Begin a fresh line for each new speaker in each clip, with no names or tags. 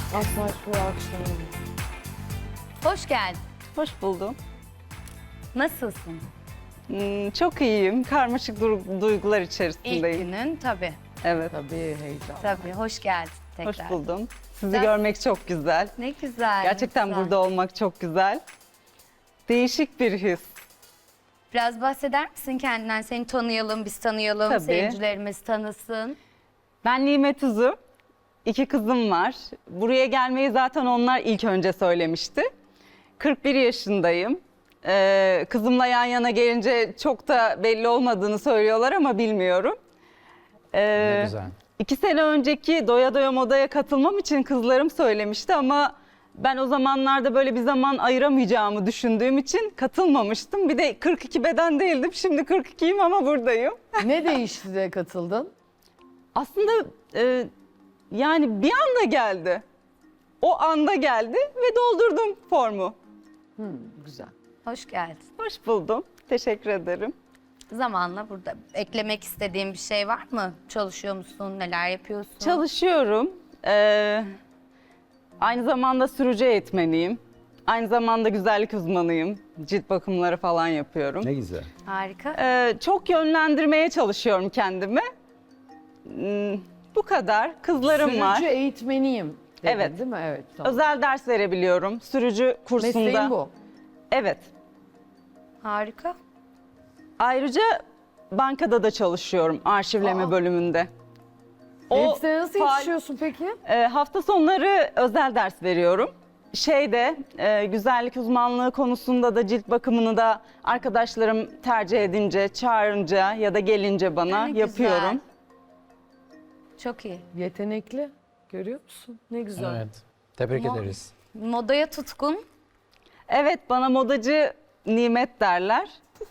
Asla şu akşam.
Hoş geldin.
Hoş buldum.
Nasılsın?
Çok iyiyim. Karmaşık duygular
İlk
içerisindeyim.
günün tabii.
Evet,
Tabii heyecan.
Tabii. Hoş geldin tekrar.
hoş buldum. Sizi
Sen-
görmek çok güzel.
Ne güzel.
Gerçekten
ne güzel.
burada olmak çok güzel. Değişik bir his.
Biraz bahseder misin kendinden? Seni tanıyalım, biz tanıyalım,
Tabii.
seyircilerimiz tanısın.
Ben Nimet Uzu. 2 kızım var. Buraya gelmeyi zaten onlar ilk önce söylemişti. 41 yaşındayım. Kızımla yan yana gelince çok da belli olmadığını söylüyorlar ama bilmiyorum.
Ne güzel.
2 sene önceki Doya Doya Moda'ya katılmam için kızlarım söylemişti ama ben o zamanlarda böyle bir zaman ayıramayacağımı düşündüğüm için katılmamıştım. Bir de 42 beden değildim. Şimdi 42'yim ama buradayım.
Ne değişti de katıldın?
Aslında yani bir anda geldi. O anda geldi ve doldurdum formu.
Güzel.
Hoş geldin.
Hoş buldum. Teşekkür ederim.
Zamanla burada eklemek istediğin bir şey var mı? Çalışıyor musun? Neler yapıyorsun?
Çalışıyorum. Aynı zamanda sürücü eğitmeniyim. Aynı zamanda güzellik uzmanıyım. Cilt bakımları falan yapıyorum.
Ne güzel.
Harika.
Çok yönlendirmeye çalışıyorum kendimi. Bu kadar. Kızlarım var.
Sürücü eğitmeniyim dedin,
Evet.
değil mi? Evet. Tamam.
Özel ders verebiliyorum. Sürücü kursunda.
Mesleğin bu.
Evet.
Harika.
Ayrıca bankada da çalışıyorum arşivleme bölümünde.
Elbiseye nasıl
faal-
yetişiyorsun peki?
Hafta sonları özel ders veriyorum. Güzellik uzmanlığı konusunda da cilt bakımını da arkadaşlarım tercih edince, çağırınca ya da gelince bana
Ne güzel.
yapıyorum.
Çok iyi.
Yetenekli. Görüyor musun? Ne güzel.
Evet. Tebrik ederiz.
Modaya tutkun.
Evet, bana modacı Nimet derler.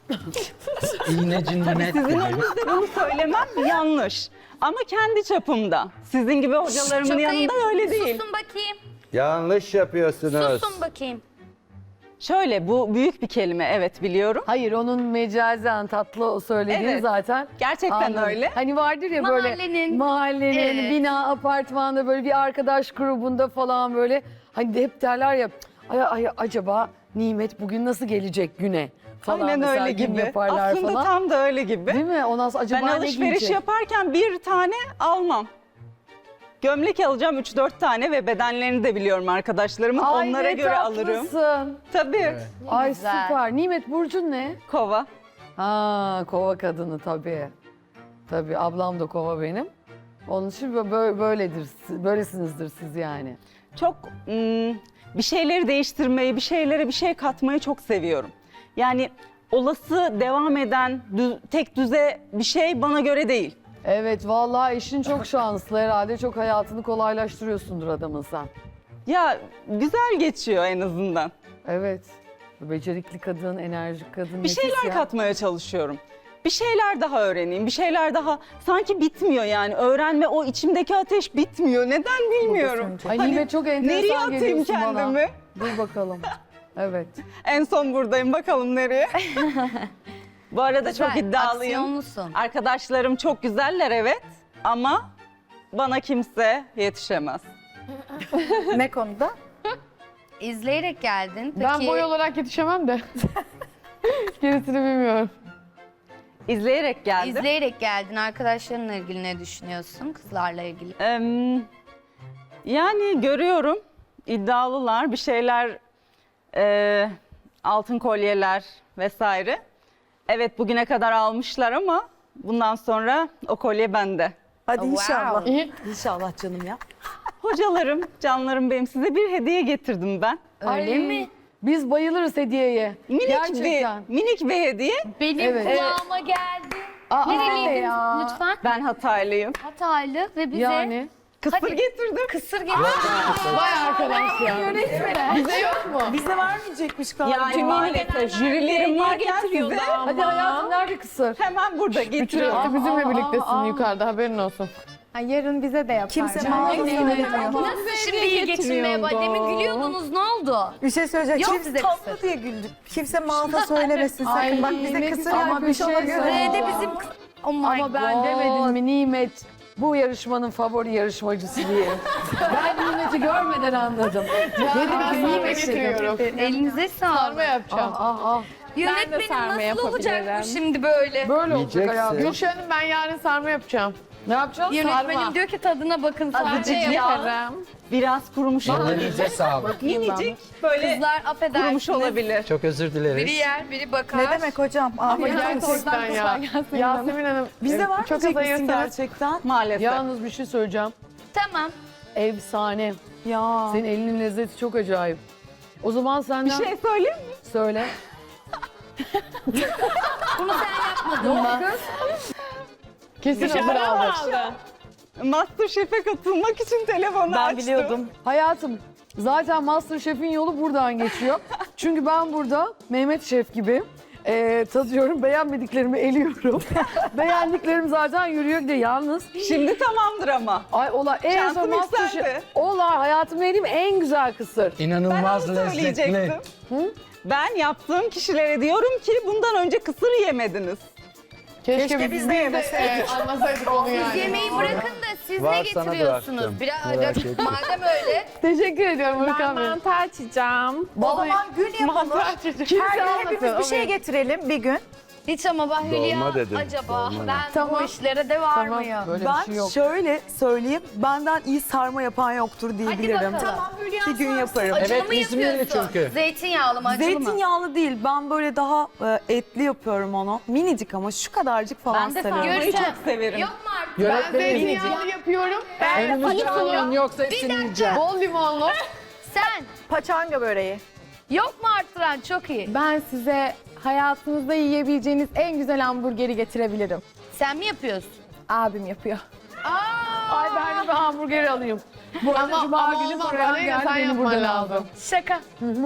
İğneci Nimet
Sizin
dedi.
önünüzde bunu söylemem yanlış. Ama kendi çapımda. Sizin gibi hocalarımın
Çok
yanında
ayıp.
öyle değil.
Susun bakayım.
Yanlış yapıyorsunuz.
Susun bakayım.
Şöyle, bu büyük bir kelime, evet biliyorum.
Hayır, onun mecazen tatlı o söylediği
Evet.
zaten.
Gerçekten
Anladım.
öyle.
Hani vardır ya böyle
Mahallenin- Evet.
bina, apartmanda böyle bir arkadaş grubunda falan böyle. Hani de hep derler ya acaba Nimet bugün nasıl gelecek güne falan.
Aynen
mesela
öyle
gün
gibi.
yaparlar
Aslında
falan.
tam da öyle gibi.
Değil mi? Ondan sonra acaba
Ben
ne
alışveriş
giyecek?
yaparken bir tane almam. Gömlek alacağım 3-4 tane ve bedenlerini de biliyorum arkadaşlarımın.
Ay,
Onlara
ne
göre alırım.
tatlısın.
Tabii.
Evet.
Ay
güzel.
süper. Nimet burcun ne?
Kova.
Ha, kova kadını tabii. Tabii ablam da kova benim. Onun için böyledir. Böylesinizdir siz yani.
Çok bir şeyleri değiştirmeyi, bir şeylere bir şey katmayı çok seviyorum. Yani olası devam eden tek düze bir şey bana göre değil.
Evet vallahi eşin çok şanslı herhalde. Çok hayatını kolaylaştırıyorsundur adamın sen.
Ya güzel geçiyor en azından.
Evet. Becerikli kadın, enerjik kadın.
Bir
nefis
şeyler
ya.
katmaya çalışıyorum. Bir şeyler daha öğreneyim, bir şeyler daha sanki bitmiyor yani. Öğrenme, o içimdeki ateş bitmiyor. Neden bilmiyorum.
Ay
Hani
Nimet çok
nereye
enteresan
atayım
geliyorsun
kendimi?
bana. Dur bakalım. Evet.
En son buradayım, bakalım nereye. Bu arada çok
Güzel,
iddialıyım.
aksiyonlusun.
Arkadaşlarım çok güzeller evet ama bana kimse yetişemez.
Ne konuda?
İzleyerek geldin. Peki,
Ben boy olarak yetişemem de. Gerisini bilmiyorum.
İzleyerek geldim.
İzleyerek geldin. Arkadaşlarınla ilgili ne düşünüyorsun? Kızlarla ilgili.
Yani görüyorum iddialılar bir şeyler, altın kolyeler vesaire. Evet bugüne kadar almışlar ama bundan sonra o kolye bende.
Hadi
Wow.
inşallah.
İyi.
İnşallah canım ya.
Hocalarım, canlarım benim, size bir hediye getirdim ben.
Öyle
Ay,
mi?
Biz bayılırız hediyeye. Gerçekten.
Minik bir hediye.
Benim
Evet.
kulağıma geldi.
Aa,
Nereliydin
ya.
lütfen?
Ben Hataylıyım.
Hataylı ve bize
Yani.
Kısır
Hadi.
getirdim.
kısır getirdi.
Vay arkadaş ya. Bize yok mu?
Bize vermeyecekmiş galiba.
Yani maalesef jürilerim varken size
Hadi hayatım nerede kısır?
hemen burada
Bütün
getiriyorum.
hafta bizimle birliktesin yukarıda haberin olsun.
Yarın bize de yapar.
Kimse
Canım.
mağaza söylemiyor.
Nasıl şimdi iyi geçinmeye başladı? Demin gülüyordunuz, ne oldu?
Bir şey söyleyeceğim.
Yok
Çok
size
tatlı
kısır.
diye güldük. Kimse mağaza söylemesin sakın.
Ay,
Bak bize
ne
kısır
güzel
yapmış
bir şey
ona göre.
söyle.
Nerede bizim... Oh my
Ama ben
God.
demedim mi Nimet bu yarışmanın favori yarışmacısı diye. Ben Nimet'i Nimeti görmeden anladım. Dedim ki Nimet
getiriyorum.
Elinize
Sarma
sağlık.
yapacağım.
Yönetmenim
sarma
nasıl olacak bu
yapabilirim.
şimdi böyle?
böyle olacak
Yiyeceksin.
hayatım.
Gülşah Hanım ben yarın sarma yapacağım.
Ne yapacaksın?
Yönetmenim diyor ki tadına bakın sadece ya.
Yaparım.
Biraz kurumuş olabilir.
Elinize sağlık.
Minicik böyle
Kızlar
kurumuş
affedersiniz.
olabilir.
Çok özür dileriz.
Biri yer, biri bakar.
Ne demek hocam?
Ama gerçekten ya. Yasemin Hanım.
Bizde var mı
çok az
misin
ayırsanız.
gerçekten?
Maalesef.
Yalnız bir şey söyleyeceğim.
Tamam.
Efsane.
Ya.
Senin elinin lezzeti çok acayip. O zaman
Bir
senden
şey söyleyeyim mi?
söyle.
Bunu sen yapmadın mı?
Kesin hazır almış.
Masterchef'e katılmak için telefonu
Ben
açtım.
biliyordum.
Hayatım zaten Masterchef'in yolu buradan geçiyor. Çünkü ben burada Mehmet Şef gibi tadıyorum. Beğenmediklerimi eliyorum. Beğendiklerim zaten yürüyor gidiyor. Yalnız
Şimdi tamamdır ama.
ay ola en son
Şansım
Masterchef.
yükseldi.
Ola hayatımda yediğim en güzel kısır.
Ben
İnanılmaz
onu
lezzetli.
söyleyecektim. Ben yaptığım kişilere diyorum ki bundan önce kısır yemediniz.
Keşke biz de yemeseydik. Anlasaydık onu
Siz
yani.
yemeği bırakın da siz
Var,
ne
sana
getiriyorsunuz?
bıraktım.
Biraz
Merak etme.
madem öyle.
Teşekkür ediyorum
Ben
Hırkan Bey.
mantı açacağım.
O zaman gün yapalım.
Kimse
Her gün
anlatın.
hepimiz bir şey getirelim bir gün.
Hiç ama ben Hülya
Dolma dedim,
acaba
dolma.
ben
Tamam.
bu işlere de var
Tamam
mıyım?
böyle bir
Ben
şey yok.
şöyle söyleyeyim, benden iyi sarma yapan yoktur diyebilirim.
bakalım. Tamam,
Bir gün yaparım.
Acılı
Evet,
mı
İzmirli
yapıyorsun?
çünkü.
Zeytinyağlı mı acılı mı?
Zeytinyağlı değil, ben böyle daha etli yapıyorum onu. Minicik ama şu kadarcık falan
Ben de
sarıyorum.
sarmayı
Görüşen.
çok severim.
Yok mu artık?
Ben
Yönetmenim.
zeytinyağlı yapıyorum.
Önümüzde
Paçanga.
oyun yoksa hepsini yiyeceğim.
Bol limonlu.
Sen.
Paçanga böreği.
Yok mu arttıran? Çok iyi.
Ben size hayatınızda yiyebileceğiniz en güzel hamburgeri getirebilirim.
Sen mi yapıyorsun?
Abim yapıyor.
Ay ben de bir hamburger alayım. Bu arada Cuma günü
olmaz,
program
Aleyna,
geldi
sen
beni
yapman
buradan
lazım.
aldı.
Şaka.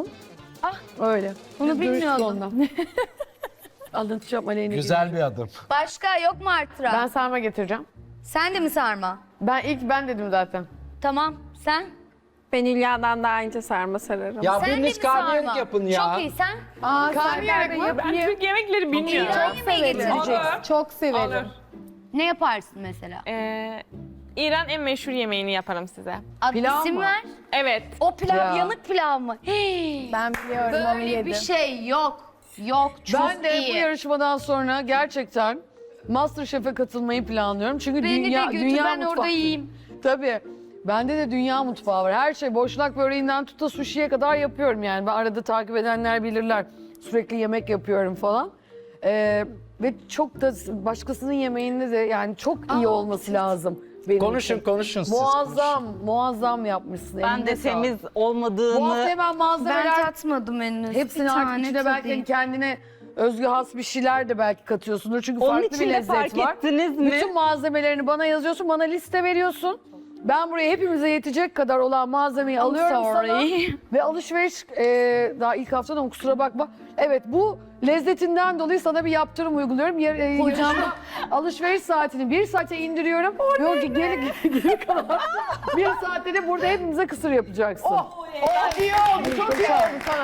Öyle.
Bunu
Biz görüştük
bilmiyordum.
ondan. Anlatacağım Aleyna.
Güzel bir adım.
Başka yok mu arttıran?
Ben sarma getireceğim.
Sen de mi sarma?
Ben dedim zaten.
Tamam. Sen?
Ben İlya'dan daha önce sarma sararım.
Ya
Sen de mi
biriniz karnıyarık
sarma?
yapın ya.
Çok iyi. Sen?
Karnıyarık mı?
Ben Türk yemekleri bilmiyorum.
İran yemeği getireceksin.
Çok severim.
Ne yaparsın mesela?
İran en meşhur yemeğini yaparım size.
Ad,
Pilav
isim
mı?
ver.
Evet.
O pilav
Ya.
yanık pilav mı? Hey,
Ben biliyorum onu
böyle
yedim.
bir şey yok. Yok. Çok
Ben de
iyi.
bu yarışmadan sonra gerçekten Masterchef'e katılmayı planlıyorum. Çünkü
Beni
dünya,
de götür
dünya
ben
mutfağı.
orada yiyeyim.
Tabii. Bende de dünya mutfağı var. Her şey boşnak böreğinden tut da sushi'ye kadar yapıyorum yani. Ben arada takip edenler bilirler. Sürekli yemek yapıyorum falan. Ve çok da başkasının yemeğinde de yani çok iyi olması lazım. Benim
Konuşun
için.
konuşun siz.
Muazzam yapmışsın.
Ben
Eline
de
sağlık.
temiz
Bu
olmadığını
hafta hemen
Ben
malzemeler
tatmadım henüz.
hepsini
Bir
artık
tane
içine belki
tadayım.
kendine özgü has bir şeyler de belki katıyorsundur. Çünkü
Onun
farklı
için
bir
de
lezzet
fark
var.
ettiniz mi?
Bütün malzemelerini bana yazıyorsun, bana liste veriyorsun. Ben buraya hepimize yetecek kadar olan malzemeyi alıyorum sana. Ve alışveriş daha ilk haftadan kusura bakma. Evet bu lezzetinden dolayı sana bir yaptırım uyguluyorum. Hocam alışveriş saatini 1 saate indiriyorum. Yok geri kalan 1 saatte de burada hepimize kısır yapacaksın.
İyi oldu. Çok iyi oldu sana.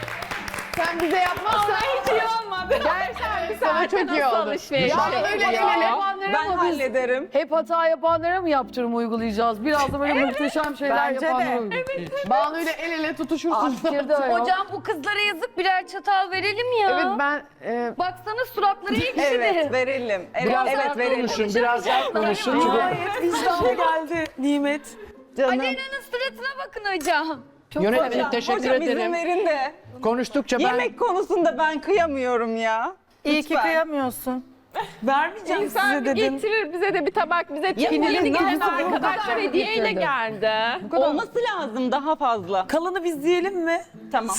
Sen bize yapmazsan.
Hiç iyi olmadı.
Gerçekten sana çok iyi oldu.
alışveriş
Ya
Hep
öyle
hata
el ele.
yapanlara
ben
mı biz?
hallederim.
Hep hata yapanlara mı yaptırım uygulayacağız? Biraz da böyle muhteşem şeyler
Bence
yapanlara
de.
uygulayacağız.
Banu ile el ele tutuşursunuz.
Fikir de o.
Hocam bu kızlara yazık birer çatal verelim ya.
Evet ben
Baksana suratları ekşidi.
Evet verelim. Evet,
Biraz
evet
sert
verelim.
Konuşun biraz daha konuşun. Çünkü
İştahı geldi Nimet.
Canım.
Alena'nın suratına bakın hocam.
yönetmenim teşekkür
Hocam izin
ederim.
verin de.
Konuştukça ben
Yemek konusunda ben kıyamıyorum ya.
İyi ki
Lütfen.
kıyamıyorsun. Vermeyeceğim
İnsan
size
bir
dedim.
getirir bize de bir tabak bize
Ya
yeni
bu
gelen
nasıl
arkadaşlar hediyeyle
getirdi?
geldi.
Olması lazım daha fazla.
Kalanı biz yiyelim mi?
Tamam.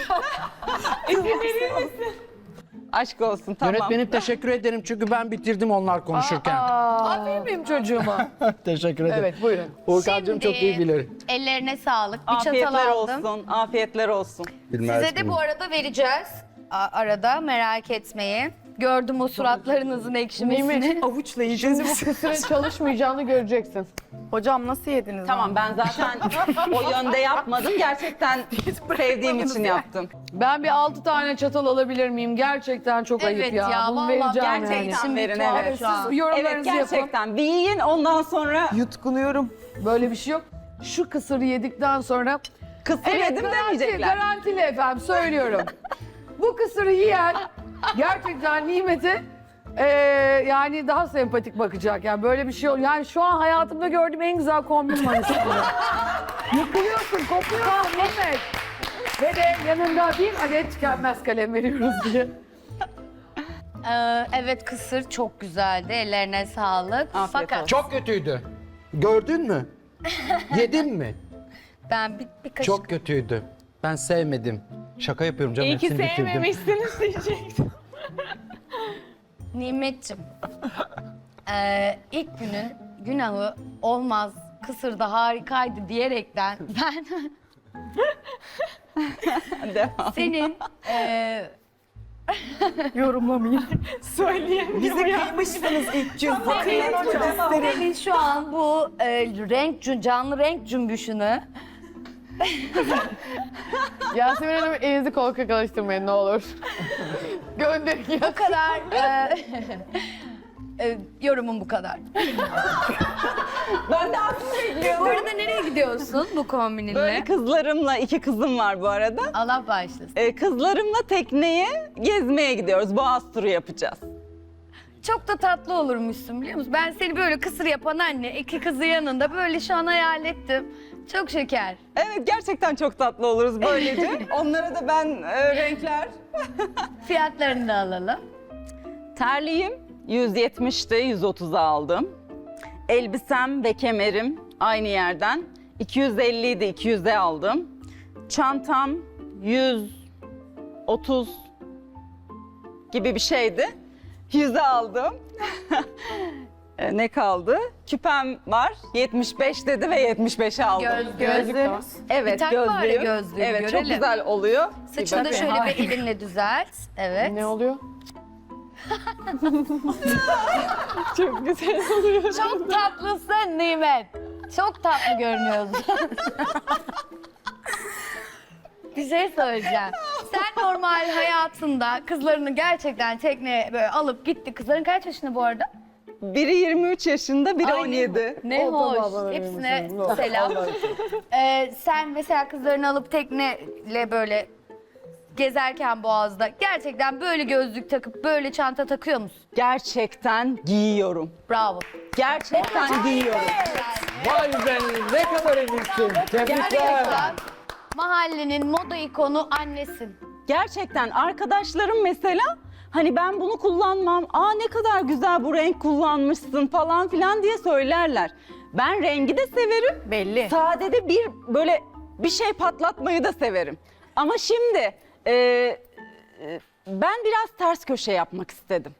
Aşk olsun tamam.
yönetmenim teşekkür ederim çünkü ben bitirdim onlar konuşurken.
Aferin benim çocuğuma.
Teşekkür ederim.
Evet buyurun.
Urkancığım çok iyi bilir.
Ellerine sağlık. Bir çatal
Afiyetler
aldım.
olsun. Afiyetler olsun.
Bilmez
Size de
miyim?
bu arada vereceğiz. Arada merak etmeyin. Gördüm o suratlarınızın ekşimesini.
Avuçla yiyeceğiz
şimdi bu
biz.
kısırın çalışmayacağını göreceksin.
Hocam nasıl yediniz?
Tamam ben zaten o yönde yapmadım. Gerçekten sevdiğim için yaptım.
Ben bir 6 tane çatal alabilir miyim? Gerçekten çok ayıp
Evet
ya.
ya,
Bunu
vallahi
vereceğim
Gerçekten
yani.
Şimdi
verin
tuhaf
evet.
şu an.
Siz yorumlarınızı
Evet
yapın.
gerçekten. Bir yiyin ondan sonra
Yutkunuyorum.
Böyle bir şey yok. şu kısırı yedikten sonra
Kısır yedim demeyecekler.
garantili efendim söylüyorum. Bu kısırı yiyen gerçekten Nimet'e yani daha sempatik bakacak. Yani böyle bir şey yani şu an hayatımda gördüğüm en güzel kombin manisi. Yıkılıyorsun, kopuyorsun Nimet. Ve de yanında bir adet tükenmez kalem veriyoruz diye.
Evet, kısır çok güzeldi. Ellerine sağlık.
Afiyet
Fakat
olsun.
Çok kötüydü. Gördün mü? Yedin mi?
ben bir kaşık
Çok kötüydü. Ben sevmedim. Şaka yapıyorum canım.
İyi ki
hepsini bitirdim.
sevmemişsiniz diyecektim.
Nimet'ciğim. İlk günün günahı olmaz. Kısır da harikaydı diyerekten ben
Devam.
senin
Bizi kıymışsınız ilk gün.
senin şu an bu canlı renk cümbüşünü
Yasemin Hanım elinizi kol kakalaştırmayın ne olur. Gönderin ya.
bu kadar yorumum bu kadar.
Ben de aslında bekliyorum.
Bu arada nereye gidiyorsun bu kombininle?
Böyle kızlarımla, 2 kızım var bu arada.
Allah bağışlasın.
Kızlarımla tekneye gezmeye gidiyoruz. Boğaz turu yapacağız.
Çok da tatlı olurmuşsun biliyor musun? Ben seni böyle kısır yapan anne, 2 kızı yanında böyle şu an hayal ettim. Çok şeker.
Evet, gerçekten çok tatlı oluruz böylece. Onlara da ben renkler.
Fiyatlarını da alalım.
Terliğim 170'ti, 130'a aldım. Elbisem ve kemerim aynı yerden 250 idi, 200'e aldım. Çantam 130 gibi bir şeydi. 100'e aldım. Ne kaldı? Küpem var. 75 dedi ve 75'e aldım.
Gözlüğüm.
Evet,
Bir tak bari
gözlüğüm.
gözlüğü,
Evet, çok
görelim.
güzel oluyor.
Saçını da şöyle bir elinle düzelt. Evet.
Ne oluyor? Çok güzel oluyor.
Çok tatlısın Nimet. Çok tatlı görünüyorsun. Bir şey söyleyeceğim. Sen normal hayatında kızlarını gerçekten tekneye böyle alıp gitti. Kızların kaç yaşında bu arada?
Biri 23 yaşında, biri 17.
Ne
O da
hoş.
bana
Hepsine
verir misin?
selam. Sen mesela kızlarını alıp tekneyle böyle gezerken Boğaz'da gerçekten böyle gözlük takıp böyle çanta takıyor musun?
Gerçekten giyiyorum.
Bravo.
Gerçekten giyiyorum.
Vay be ne kadar eminsin. Tebrikler.
Gerçekten mahallenin moda ikonu annesin.
Gerçekten arkadaşlarım mesela hani ben bunu kullanmam, aa ne kadar güzel bu renk kullanmışsın falan filan diye söylerler. Ben rengi de severim.
Belli.
Sadede böyle bir şey patlatmayı da severim. Ama şimdi ben biraz ters köşe yapmak istedim.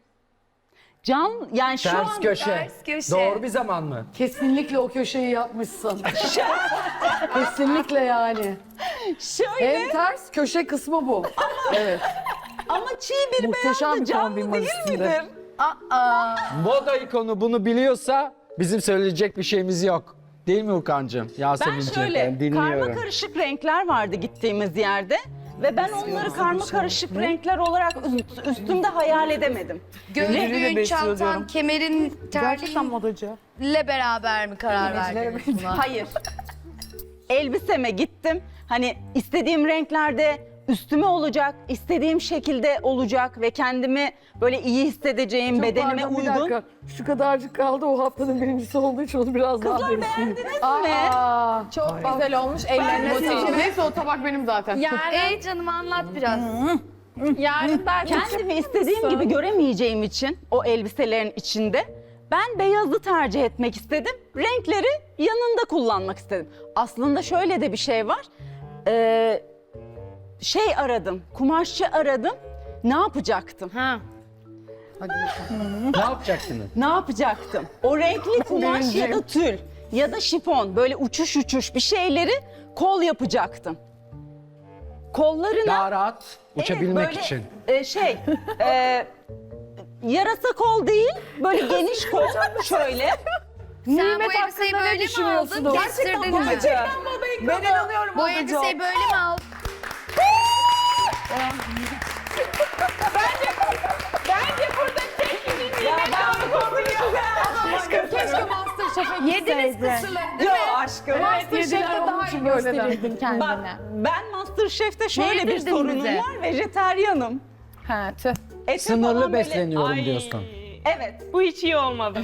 Yani şu
Ters
an
köşe.
Ters köşe.
Doğru bir zaman mı?
Kesinlikle o köşeyi yapmışsın. Kesinlikle yani.
şöyle
En ters köşe kısmı bu. Evet.
ama çiğ bir
Muhteşem
beyazda
bir kombin
canlı değil
manisinde.
midir?
Moda ikonu bunu biliyorsa bizim söyleyecek bir şeyimiz yok. Değil mi Ukancığım?
Ben
Yasemin'ciğim.
şöyle karma karışık renkler vardı gittiğimiz yerde ve ben onları karma karışık renkler olarak üstümde hayal edemedim.
Gözlüğün, çantan, kemerin,
Gerçekten
terliğinle
modacı.
beraber mi karar verdiniz buna?
Hayır. Elbiseme gittim. Hani istediğim renklerde üstüme olacak, istediğim şekilde olacak ve kendimi böyle iyi hissedeceğim,
Çok
bedenime
pardon, bir
uygun.
dakika. Şu kadarcık kaldı o haftanın birincisi olduğu için onu biraz daha
Kızlar
beğensin.
beğendiniz mi?
Çok güzel olmuş. Ellerine sağlık.
Neyse o tabak benim zaten.
Ey canım anlat biraz.
Yarın ben
Kendimi istediğim gibi göremeyeceğim için o elbiselerin içinde ben beyazı tercih etmek istedim. Renkleri yanında kullanmak istedim. Aslında şöyle de bir şey var. Aradım, kumaşçı aradım. Ne yapacaktım?
Ha.
Ne yapacaksınız?
Ne yapacaktım? O renkli kumaş ya da tül ya da şifon böyle uçuş bir şeyleri kol yapacaktım. Kollarına
Daha rahat uçabilmek
böyle,
için.
Yarasa kol değil, böyle geniş kol şöyle.
Sen
Nimet
bu elbiseyi
hakkında ne
böyle mi
düşünüyorsunuz?
aldın? Kestirdin mi?
Ben inanıyorum
Bu
modacı.
elbiseyi böyle mi aldın?
Bence burada tek bir
Ya ben bu konuyu
keşke Master Masterchef'e
Yediniz
gitseydin.
kısırları.
Yok aşkım.
Masterchef'te daha iyi gösterirdin kendini.
Bak ben Masterchef'te şöyle bir
yedirdin
sorunum
bize?
var. Vejeteryanım.
Ha tüh.
Ete
Sınırlı
falan böyle-
besleniyorum
Ay,
diyorsun.
Evet.
Bu hiç iyi olmadı.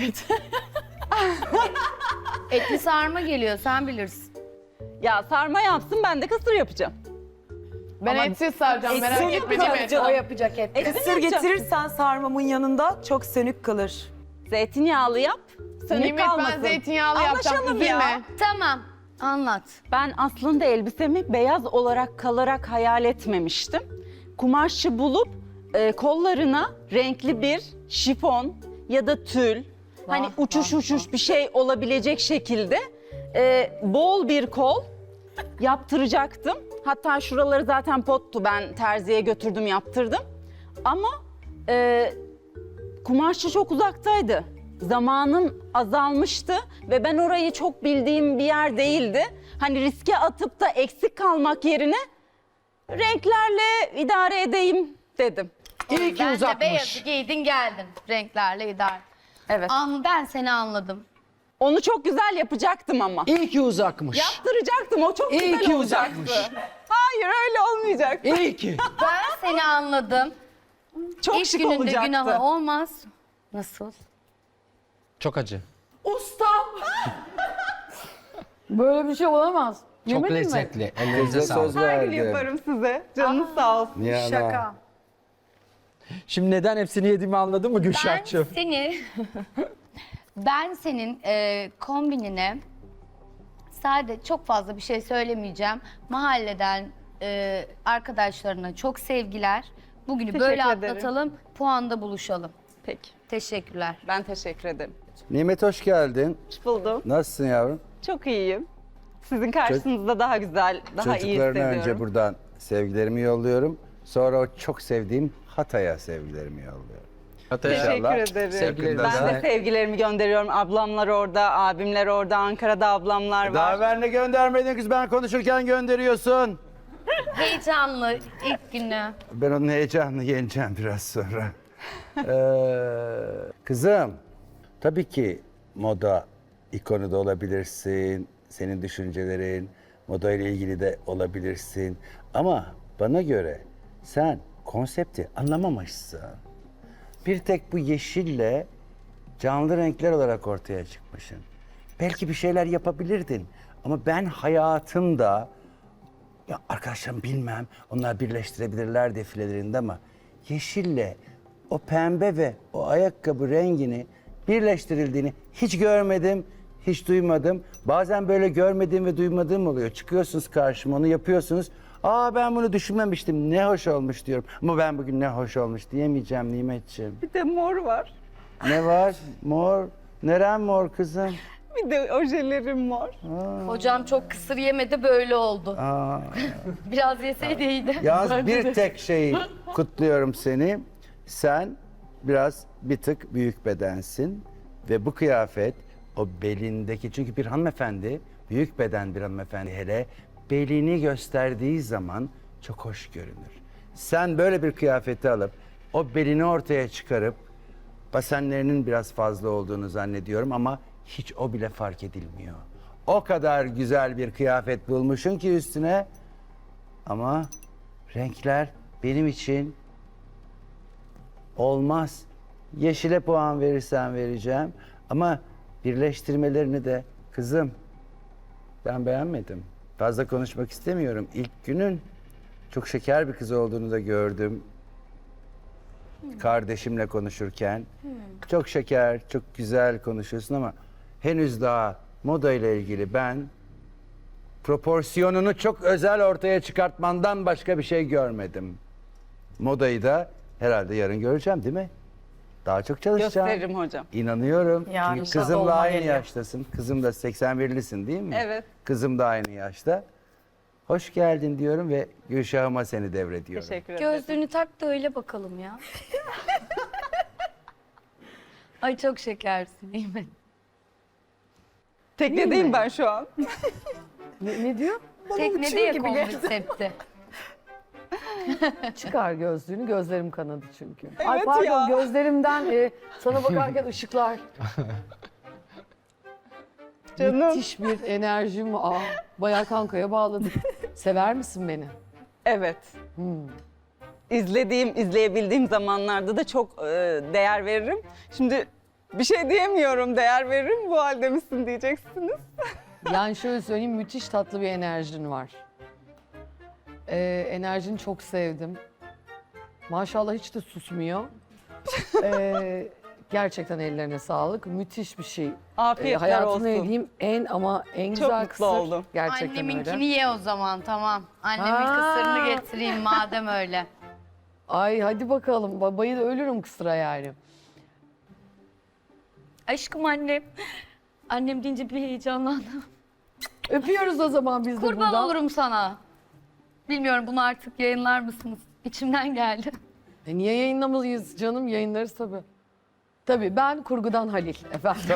Etli sarma geliyor sen bilirsin.
Ya sarma yapsın ben de kısır yapacağım.
Ben etsiz saracağım merak
sönük
etme değil mi?
kalacak.
O yapacak et.
Kısır getirirsen sarmamın yanında çok sönük kalır.
Zeytinyağlı yap. Sönük
Nimet
kalmasın.
ben zeytinyağlı yapacağım
Anlaşalım ya.
üzülme.
Tamam anlat.
Ben aslında elbisemi beyaz olarak kalarak hayal etmemiştim. Kumaşı bulup kollarına renkli bir şifon ya da tül, hani uçuş bir şey olabilecek şekilde bol bir kol yaptıracaktım. Hatta şuraları zaten pottu, ben terziye götürdüm yaptırdım. Ama kumaşçı çok uzaktaydı. Zamanım azalmıştı ve ben orayı çok bildiğim bir yer değildi. Hani riske atıp da eksik kalmak yerine renklerle idare edeyim dedim.
İyi ki
Ben de
uzatmış.
beyazı giydin geldin renklerle idare.
Evet.
Ben seni anladım.
Onu çok güzel yapacaktım ama.
İyi ki uzakmış.
Yaptıracaktım, o çok
İyi
güzel
ki
olacaktı.
uzakmış.
Hayır öyle olmayacak.
İyi ki.
Ben seni anladım.
Çok
İlk
şık
gününde
olacaktı.
günahı olmaz. Nasıl?
Çok acı.
Böyle bir şey olamaz.
Çok
Yemedin mi?
lezzetli. Ellerinize
Kıza söz
sağlık.
Her gün
verdim.
yaparım size. Canınız sağ olsun.
Nihan
Şaka.
Şimdi neden hepsini yediğimi anladın mı
Ben
Gülşah'cığım?
ben senin kombinine sadece çok fazla bir şey söylemeyeceğim. Mahalleden arkadaşlarına çok sevgiler. Bugünü böyle
Teşekkür ederim.
atlatalım, puanda buluşalım.
Peki.
Teşekkürler.
Ben teşekkür ederim.
Nimet hoş geldin.
Hoş buldum.
Nasılsın yavrum?
Çok iyiyim. Sizin karşınızda daha güzel, daha iyi
Çocuklarına
hissediyorum.
önce buradan sevgilerimi yolluyorum. Sonra o çok sevdiğim Hatay'a sevgilerimi yolluyorum.
Teşekkür
İnşallah
ederim.
Sevgilerimizi
Ben de
de-
sevgilerimi gönderiyorum. Ablamlar orada, abimler orada, Ankara'da ablamlar var.
Daha evvel ne göndermedin kız, ben konuşurken gönderiyorsun.
Heyecanlı ilk günü.
Ben onun heyecanını yeneceğim biraz sonra. Kızım, tabii ki moda ikonu da olabilirsin. Senin düşüncelerin, moda ile ilgili de olabilirsin. Ama bana göre sen konsepti anlamamışsın. Bir tek bu yeşille canlı renkler olarak ortaya çıkmışsın. Belki bir şeyler yapabilirdin. Ama ben hayatımda, ya arkadaşlarım bilmem, onlar birleştirebilirler defilelerinde ama yeşille o pembe ve o ayakkabı rengini birleştirildiğini hiç görmedim, hiç duymadım. Bazen böyle görmediğim ve duymadığım oluyor. Çıkıyorsunuz karşıma, onu yapıyorsunuz. Aa ben bunu düşünmemiştim, ne hoş olmuş diyorum. Ama ben bugün ne hoş olmuş diyemeyeceğim Nimetciğim.
Bir de mor var.
Ne var? Mor. Neren mor kızım?
Bir de ojelerim mor.
Hocam çok kısır yemedi böyle oldu.
Aa.
Biraz yeseydi iyiydi.
Yalnız bir tek şeyi kutluyorum seni. Sen biraz bir tık büyük bedensin ve bu kıyafet o belindeki, çünkü bir hanımefendi, büyük beden bir hanımefendi hele belini gösterdiği zaman çok hoş görünür. Sen böyle bir kıyafeti alıp o belini ortaya çıkarıp basenlerinin biraz fazla olduğunu zannediyorum ama hiç o bile fark edilmiyor. O kadar güzel bir kıyafet bulmuşsun ki üstüne ama renkler benim için olmaz. Yeşile puan verirsen vereceğim ama birleştirmelerini de kızım ben beğenmedim. Fazla konuşmak istemiyorum. İlk günün çok şeker bir kız olduğunu da gördüm. Kardeşimle konuşurken. Çok şeker, çok güzel konuşuyorsun ama henüz daha moda ile ilgili ben proporsiyonunu çok özel ortaya çıkartmandan başka bir şey görmedim. Modayı da herhalde yarın göreceğim değil mi? Daha çok çalışacağım.
Gösteririm hocam.
İnanıyorum.
Ya,
Çünkü
inşallah
kızımla
olma
aynı
geliyor.
yaştasın. Kızım da 81'lisin değil mi?
Evet.
Kızım da aynı yaşta. Hoş geldin diyorum ve Gülşah'ıma seni devrediyorum.
Teşekkür ederim.
Gözlüğünü tak da öyle bakalım ya. Ay çok şekersin değil mi?
Teknedeyim ben şu an.
Ne diyor?
Teknede ya konsepti.
Çıkar gözlüğünü, gözlerim kanadı çünkü.
Evet
Ay pardon
ya.
gözlerimden sana bakarken ışıklar.
Canım.
Müthiş bir enerjim var. Bayağı kankaya bağladım. Sever misin beni?
Evet. İzleyebildiğim zamanlarda da çok değer veririm. Şimdi bir şey diyemiyorum, değer veririm. Bu halde misin diyeceksiniz.
Yani şöyle söyleyeyim, müthiş tatlı bir enerjin var. Enerjini çok sevdim. Maşallah hiç de susmuyor. Gerçekten ellerine sağlık. Müthiş bir şey.
Afiyetler
Hayatımda
olsun.
yediğim en
Çok
güzel
mutlu
kısır.
oldum.
Gerçekten
Anneminkini
öyle.
ye o zaman, tamam. Annemin
Ha.
kısırını getireyim madem öyle.
Ay hadi bakalım. Babayı da ölürüm kısıra yani.
Aşkım annem. Annem deyince bir heyecanlandım.
Öpüyoruz o zaman biz de
Kurban
buradan.
olurum sana. Bilmiyorum, bunu artık yayınlar mısınız? İçimden geldi.
Niye yayınlamalıyız canım? Yayınlarız tabii. Tabii ben kurgudan Halil efendim.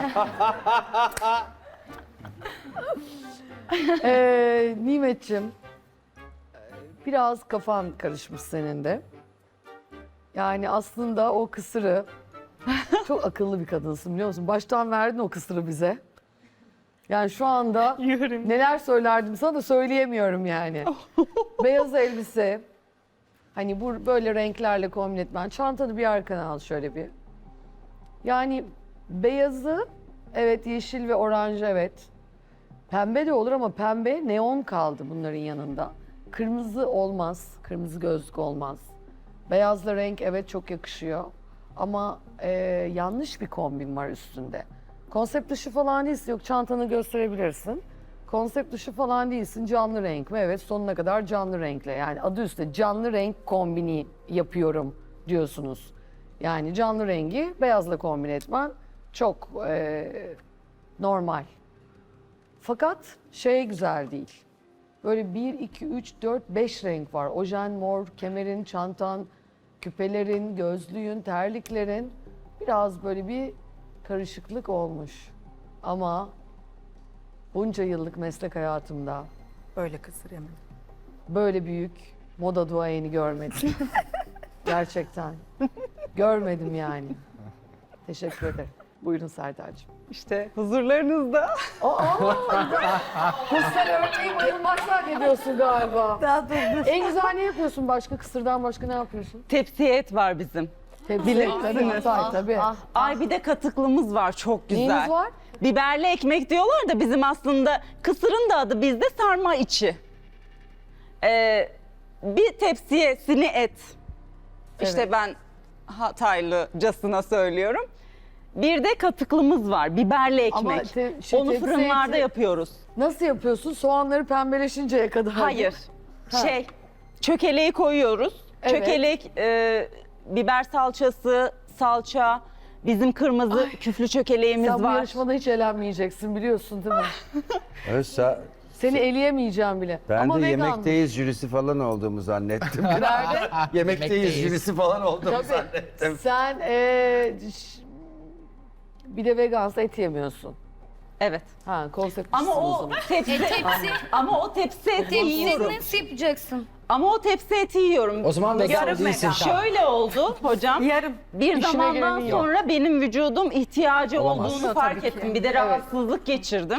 Nimetciğim, biraz kafan karışmış senin de. Yani aslında o kısırı, çok akıllı bir kadınsın biliyor musun? Baştan verdin o kısırı bize. Yani şu anda neler söylerdim sana da söyleyemiyorum yani. Beyaz elbise, hani bu böyle renklerle kombin etmen. Çantanı bir arkana al şöyle bir. Yani beyazı, evet, yeşil ve oranj, evet. Pembe de olur ama pembe neon kaldı bunların yanında. Kırmızı olmaz, kırmızı gözlük olmaz. Beyazla renk evet çok yakışıyor. Ama yanlış bir kombin var üstünde. Konsept dışı falan değilsin, yok çantanı gösterebilirsin. Konsept dışı falan değilsin, canlı renk mi? Evet, sonuna kadar canlı renkle. Yani adı üstünde canlı renk kombini yapıyorum diyorsunuz. Yani canlı rengi beyazla kombin etmen çok normal. Fakat şey güzel değil. Böyle 1, 2, 3, 4, 5 renk var. Ojen mor, kemerin, çantan, küpelerin, gözlüğün, terliklerin. Biraz böyle bir karışıklık olmuş. Ama bunca yıllık meslek hayatımda
Böyle kısır yemedim.
böyle büyük moda duayeni görmedim. Gerçekten. Görmedim yani. Teşekkür ederim. Buyurun Serdar'cığım.
İşte huzurlarınızda.
Kısır örneği bayılmak zannediyorsun galiba.
Daha dur.
En güzel ne yapıyorsun başka? Kısırdan başka ne yapıyorsun?
Tepsiye et var bizim.
Tabii, tabii.
Ay bir de katıklımız var, çok güzel.
Neyiniz var?
Biberli ekmek diyorlar da bizim aslında kısırın da adı bizde sarma içi. Bir tepsiyesini et. İşte
Evet.
ben Hataylıcasına söylüyorum. Bir de katıklımız var, biberli
Ama
ekmek.
şu
Onu
tepsi
fırınlarda
eti-
yapıyoruz.
Nasıl yapıyorsun? Soğanları pembeleşinceye kadar.
Hayır.
Ha.
Çökeleği koyuyoruz.
Evet.
Çökelek, biber salçası, salça, bizim kırmızı küflü çökeleğimiz
Sen bu
var.
yarışmada hiç elenmeyeceksin biliyorsun değil mi?
Oysa
Seni eleyemeyeceğim bile.
ben
Ama
de
vegan.
yemekteyiz jürisi falan olduğumu zannettim.
Nerede?
Yemekteyiz jürisi falan olduğumu
Tabii.
zannettim.
Sen bir de vegansa et yemiyorsun.
Evet.
Ha, konsept
Ama
o
o
zaman.
tepsi, ama o tepsi eti yiyorum.
Nasıl yapacaksın?
Ama o tepsi eti yiyorum.
O zaman vegan
Yarım
değilsin.
Şöyle oldu hocam.
Yarım.
Bir
İşine
zamandan
geleni yok.
sonra benim vücudum ihtiyacı
Olamaz.
olduğunu fark ettim. Bir de rahatsızlık geçirdim.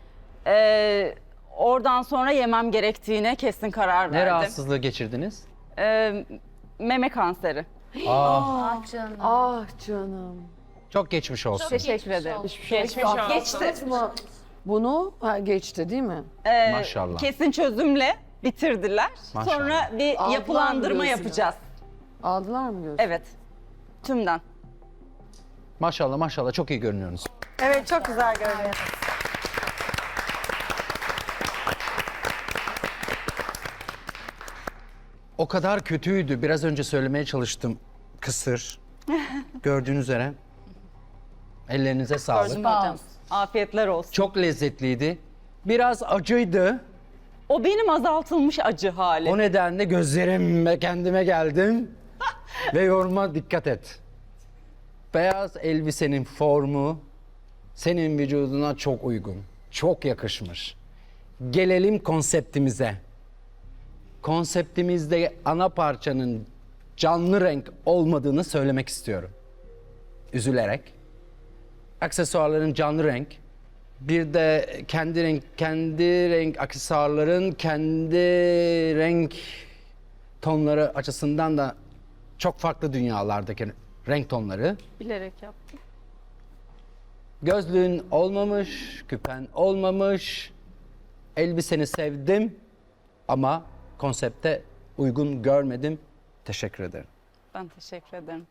Oradan sonra yemem gerektiğine kesin karar
Ne
verdim.
rahatsızlığı geçirdiniz?
Meme kanseri.
Ah canım.
Ah canım.
Çok geçmiş olsun.
Teşekkür ederim. Geçti.
Atlattınız mı? Bunu geçti değil mi?
Maşallah.
Kesin çözümle bitirdiler.
Maşallah.
Sonra bir
Aldılar mı
yapılandırma
göğsüne?
yapacağız.
Aldılar mı diyorsun?
Evet. Tümden.
Maşallah maşallah çok iyi görünüyorsunuz.
Evet çok güzel görünüyor.
O kadar kötüydü. Biraz önce söylemeye çalıştım. Kısır. Gördüğünüz üzere. Ellerinize sağlık.
Hocam. Afiyetler olsun.
Çok lezzetliydi. Biraz acıydı.
O benim azaltılmış acı hali.
O nedenle gözlerimle kendime geldim ve yoruma dikkat et.
Beyaz elbisenin formu senin vücuduna çok uygun. Çok yakışmış. Gelelim konseptimize. Konseptimizde ana parçanın canlı renk olmadığını söylemek istiyorum. Üzülerek. Aksesuarların canlı renk. Bir de kendi renk aksesuarların kendi renk tonları açısından da çok farklı dünyalardaki renk tonları.
Bilerek yaptım.
Gözlüğün olmamış, küpen olmamış. Elbiseni sevdim ama konsepte uygun görmedim. Teşekkür ederim.
Ben teşekkür ederim.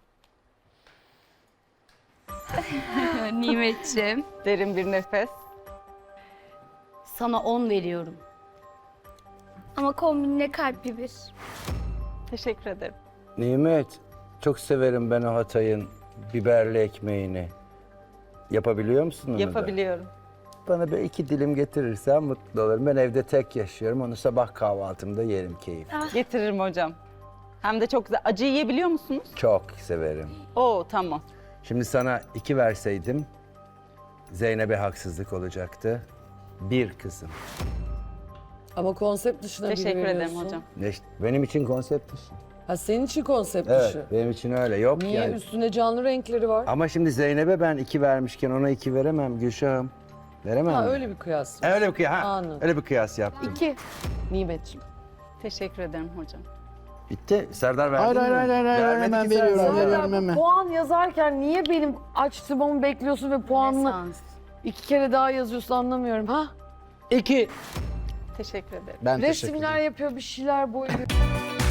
Nimetciğim,
Derin bir nefes.
sana 10 veriyorum. Ama kombinine kalpli bir.
Teşekkür ederim.
Nimet, çok severim ben o Hatay'ın biberli ekmeğini. Yapabiliyor musun onu da?
Yapabiliyorum.
Bana bir 2 dilim getirirsen mutlu olurum. Ben evde tek yaşıyorum. Onu sabah kahvaltımda yerim keyif.
Getiririm hocam. Hem de çok güzel. Acı yiyebiliyor musunuz?
Çok severim.
Oo tamam.
Şimdi sana 2 verseydim Zeynep'e haksızlık olacaktı. 1 kızım.
Ama konsept dışına biri
Teşekkür ederim
veriyorsun.
hocam.
Benim için konsept dışı.
Ha, senin için konsept
Evet,
dışı.
benim için öyle. Yok
Niye?
yani.
Üstünde canlı renkleri var.
Ama şimdi Zeynep'e ben 2 vermişken ona 2 veremem Gülşah'ım. Veremem
Ha,
mi?
öyle bir kıyas.
Öyle bir kıyas.
Anladım.
Öyle bir kıyas yaptım.
2. Nimetciğim.
Teşekkür ederim hocam.
Bitti. Serdar verdi mi? Vermedi
hemen
ki
veriyorum,
Serdar.
veriyorum hemen.
Puan yazarken niye benim açtırmamı bekliyorsun ve puanını
Esans.
2 kere daha yazıyorsun anlamıyorum ha?
2.
Teşekkür ederim.
Ben teşekkür
Resimler
ederim.
yapıyor, bir şeyler boyuyor.